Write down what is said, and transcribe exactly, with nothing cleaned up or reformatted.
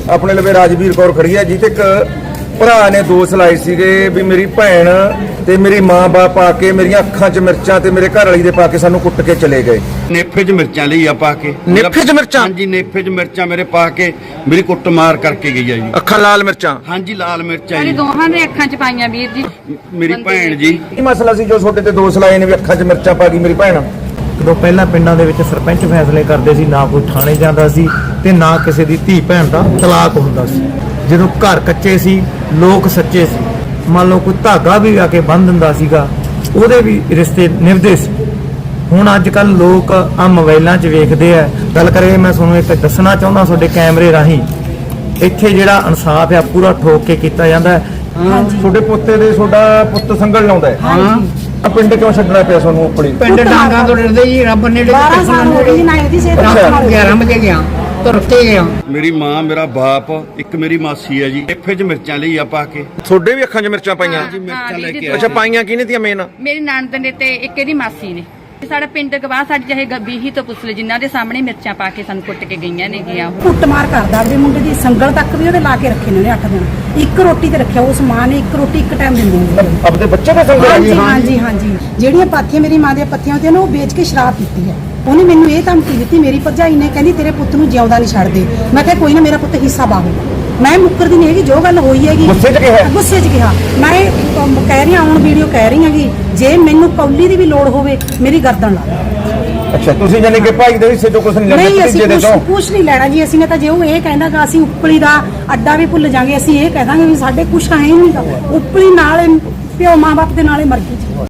ਆਪਣੇ ਲਵੇ ਰਾਜਵੀਰ ਕੌਰ ਖੜੀ ਹੈ, ਜਿੱਤੇ ਇੱਕ ਭਰਾ ਨੇ ਦੋਸ਼ ਲਾਏ ਸੀਗੇ ਵੀ ਮੇਰੀ ਭੈਣ ਤੇ ਮੇਰੀ ਮਾਂ ਬਾਪ ਆ ਕੇ ਮੇਰੀਆਂ ਅੱਖਾਂ 'ਚ ਮਿਰਚਾਂ ਤੇ ਮੇਰੇ ਘਰ ਵਾਲੀ ਦੇ ਪਾ ਕੇ ਸਾਨੂੰ ਕੁੱਟ ਕੇ ਚਲੇ ਗਏ। ਨੇਫੇ 'ਚ ਮਿਰਚਾਂ ਲਈ ਆ ਪਾ ਕੇ। ਨੇਫੇ 'ਚ ਮਿਰਚਾਂ? ਹਾਂਜੀ, ਨੇਫੇ 'ਚ ਮਿਰਚਾਂ ਮੇਰੇ ਪਾ ਕੇ ਮੇਰੀ ਕੁੱਟ ਮਾਰ ਕਰਕੇ ਗਈ ਆ ਜੀ। ਅੱਖਾਂ ਲਾਲ ਮਿਰਚਾਂ? ਹਾਂਜੀ, ਲਾਲ ਮਿਰਚਾਂ ਸਾਡੀ ਜੀ ਦੋਹਾਂ ਦੇ ਅੱਖਾਂ 'ਚ ਪਾਈਆਂ ਵੀਰ ਜੀ। ਮੇਰੀ ਭੈਣ ਜੀ। ਕੀ ਮਸਲਾ ਸੀ ਜੋ ਤੁਹਾਡੇ ਤੇ ਦੋਸ਼ ਲਾਏ ਨੇ ਵੀ ਅੱਖਾਂ 'ਚ ਮਿਰਚਾਂ ਪਾ ਗਈ ਮੇਰੀ ਭੈਣ? ਜਦੋਂ ਪਹਿਲਾਂ ਪਿੰਡਾਂ ਦੇ ਵਿੱਚ ਸਰਪੰਚ ਫੈਸਲੇ ਕਰਦੇ ਸੀ, ਨਾ ਕੋਈ ਥਾਣੇ ਜਾਂਦਾ ਸੀ ਤੇ ਨਾ ਕਿਸੇ ਦੀ ਧੀ ਭੈਣ ਦਾ ਤਲਾਕ ਹੁੰਦਾ ਸੀ। ਜਦੋਂ ਘਰ ਕੱਚੇ ਸੀ, ਲੋਕ ਸੱਚੇ ਸੀ, ਮੰਨ ਲਓ ਕੋਈ ਧਾਗਾ ਵੀ ਆ ਕੇ ਬੰਨ੍ਹ ਦਿੰਦਾ ਸੀਗਾ, ਉਹਦੇ ਵੀ ਰਿਸ਼ਤੇ ਨਿਭਦੇ ਸੀ। ਹੁਣ ਅੱਜ ਕੱਲ ਲੋਕ ਆ ਮੋਬਾਈਲਾਂ 'ਚ ਵੇਖਦੇ ਆ। ਗੱਲ ਕਰੇ ਮੈਂ ਤੁਹਾਨੂੰ ਇੱਕ ਦੱਸਣਾ ਚਾਹੁੰਦਾ, ਤੁਹਾਡੇ ਕੈਮਰੇ ਰਾਹੀਂ ਇੱਥੇ ਜਿਹੜਾ ਇਨਸਾਫ ਆ ਪੂਰਾ ਠੋਕ ਕੇ ਕੀਤਾ ਜਾਂਦਾ ਹੈ। ਤੁਹਾਡੇ ਪੋਤੇ ਦੇ ਤੁਹਾਡਾ ਪੁੱਤ ਸੰਗਲ ਲਾਉਂਦਾ ਹੈ? ਹਾਂ। ਪਿੰਡ ਕਿਉਂ ਛੱਡਣਾ ਪਿਆ ਤੁਹਾਨੂੰ ਆਪਣੀ? ਪਿੰਡ ਡਾਂਗਾ ਤੋਂ ਡਰਦੇ ਜੀ, ਰੱਬ ਨੇ ਬਾਰਾਂ ਸਾਲ ਹੋ ਗਏ ਜੀ ਨਾ ਇਹਦੀ ਸਿਹਤ ਗਿਆਰਾਂ ਵਜੇ ਗਿਆ ਤੁਰ ਕੇ ਗਿਆ। ਮੇਰੀ ਮਾਂ, ਮੇਰਾ ਬਾਪ, ਇੱਕ ਮੇਰੀ ਮਾਸੀ ਹੈ ਜੀ। ਨੇਫੇ 'ਚ ਮਿਰਚਾਂ ਲਈ ਆ ਪਾ ਕੇ। ਤੁਹਾਡੇ ਵੀ ਅੱਖਾਂ 'ਚ ਮਿਰਚਾਂ ਪਾਈਆਂ? ਜੀ, ਮਿਰਚਾਂ ਲੈ ਕੇ ਅੱਛਾ, ਪਾਈਆਂ ਕਿਹਨੇ ਤੀਆਂ ਮੇਨ? ਮੇਰੀ ਨਣਦ ਨੇ ਤੇ ਇੱਕ ਇਹਦੀ ਮਾਸੀ ਨੇ। ਸਾਡਾ ਪਿੰਡ ਗਵਾਹ ਸਾਡੀ ਚਾਹੇ ਗੱਬੀ ਤੋਂ ਪੁੱਛ ਲੈ, ਜਿਨ੍ਹਾਂ ਦੇ ਸਾਹਮਣੇ ਮਿਰਚਾਂ ਪਾ ਕੇ ਸਾਨੂੰ ਕੁੱਟ ਕੇ ਗਈਆਂ ਨੇ ਗਿਆ। ਕੁੱਟਮਾਰ ਕਰਦਾ ਆਪਣੇ ਮੁੰਡੇ ਦੀ, ਸੰਗਲ ਤੱਕ ਵੀ ਉਹਦੇ ਲਾ ਕੇ ਰੱਖੇ ਨੇ ਉਹਨੇ ਅੱਠ ਦਿਨ। ਇੱਕ ਰੋਟੀ ਤੇ ਰੱਖਿਆ, ਉਸ ਮਾਂ ਨੇ ਇੱਕ ਰੋਟੀ ਇੱਕ ਟਾਈਮ ਦਿੰਦੀ ਹੁੰਦੀ ਹੈ। ਆਪਣੇ ਬੱਚੇ ਦੇ ਸੰਗਲ? ਹਾਂਜੀ ਹਾਂਜੀ ਹਾਂਜੀ। ਜਿਹੜੀਆਂ ਪਾਥੀਆਂ ਮੇਰੀ ਮਾਂ ਦੀਆਂ ਪੱਤੀਆਂ ਹੁੰਦੀਆਂ ਨੇ ਉਹ ਵੇਚ ਕੇ ਸ਼ਰਾਬ ਪੀਤੀ ਹੈ। ਉਹਨੇ ਮੈਨੂੰ ਇਹ ਧਮਕੀ ਦਿੱਤੀ, ਮੇਰੀ ਭਰਜਾਈ ਨੇ, ਕਹਿੰਦੀ ਤੇਰੇ ਪੁੱਤ ਨੂੰ ਜਿਉਂਦਾ ਨਹੀਂ ਛੱਡਦੇ। ਮੈਂ ਕਿਹਾ ਕੋਈ ਨਾ, ਮੇਰਾ ਪੁੱਤ ਹਿੱਸਾ ਪਾਊਗਾ। ਮੈਂ ਮੁੱਕਰਦੀ ਨਹੀਂ ਹੈਗੀ, ਜੋ ਗੱਲ ਹੋਈ ਹੈਗੀ ਗੁੱਸੇ 'ਚ ਕਿਹਾ? ਗੁੱਸੇ 'ਚ ਕਿਹਾ। ਮੈਂ ਅਮ, ਕਹਿ ਰਹੀ ਹਾਂ, ਹੁਣ ਵੀਡੀਓ ਕਹਿ ਰਹੀ ਹਾਂਗੀ, ਜੇ ਮੈਨੂੰ ਕੌਲੀ ਦੀ ਵੀ ਲੋੜ ਹੋਵੇ ਮੇਰੀ ਗਰਦਨ ਲਾ ਦੇ। ਅੱਛਾ, ਤੁਸੀਂ ਜਾਨੀ ਕਿ ਭਾਈ ਦੇ ਹਿੱਸੇ ਤੋਂ ਕੁਝ ਨਹੀਂ ਲੈਣਾ? ਨਹੀਂ, ਅਸੀਂ ਕੁਝ ਕੁਝ ਨਹੀਂ ਲੈਣਾ ਜੀ। ਅਸੀਂ ਨੇ ਤਾਂ ਜੇ ਉਹ ਇਹ ਕਹਿੰਦਾਗਾ ਅਸੀਂ ਉਪਲੀ ਦਾ ਅੱਡਾ ਵੀ ਭੁੱਲ ਜਾਾਂਗੇ, ਅਸੀਂ ਇਹ ਕਹਿ ਦਾਂਗੇ ਵੀ ਸਾਡੇ ਕੁਛ ਹੈ ਹੀ ਨਹੀਂਗਾ। ਉਪਲੀ ਨਾਲ ਪਿਓ ਮਾਂ ਬਾਪ ਦੇ ਨਾਲੇ ਮਰ ਗਈ।